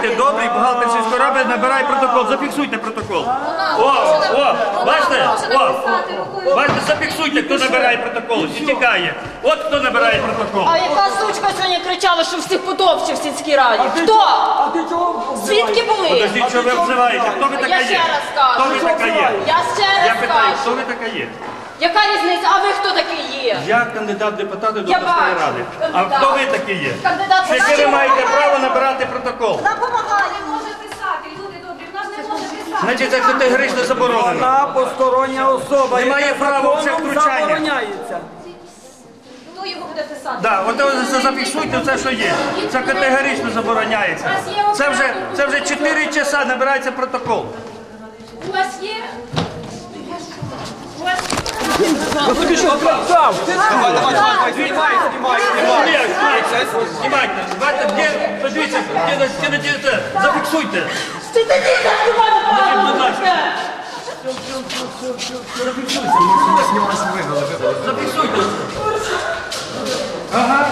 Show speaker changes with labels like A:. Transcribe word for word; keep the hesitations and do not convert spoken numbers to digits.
A: Будьте добрі, бухгалтер сільської ради набирає протокол. Зафіксуйте протокол. О, о, бачите? О, бачите, зафіксуйте, хто набирає протокол і тікає. От хто набирає протокол.
B: А яка сучка сьогодні кричала, що всіх подовчив в сільській раді? Хто? Звідки були?
A: Подождіть, що ви обзиваєте? Хто ви така
B: Я
A: є?
B: ще раз кажу.
A: Хто ви така є?
B: Я ще
A: Я
B: раз
A: питаю, хто
B: кажу.
A: ви така є?
B: Яка різниця? А ви хто такий є?
A: Я кандидат в депутати до
B: Я
A: обласної
B: бачу.
A: ради. А
B: Кандидат.
A: хто ви такі є?
B: Кандидат в
A: Яке ви
B: чому?
A: маєте право набирати протокол?
B: Вона допомагає.
C: Не може писати, люди добрі, вона ж не може писати.
A: Значить, це категорично заборонено.
D: Вона постороння особа.
A: Немає
D: яка
A: права в це
D: законом
A: втручання.
D: забороняється.
C: Хто його буде писати?
A: Да, от ви зафіксуйте все, що є. Це категорично забороняється. Це вже, це вже чотири часа набирається протокол.
C: У вас є? У вас
A: Знімайте, знімайте, де, подивіться, де, де, де, де, зафіксуйте.
B: Ти тоді заснімати,
A: Будь ласка. Зафіксуйте. Ага.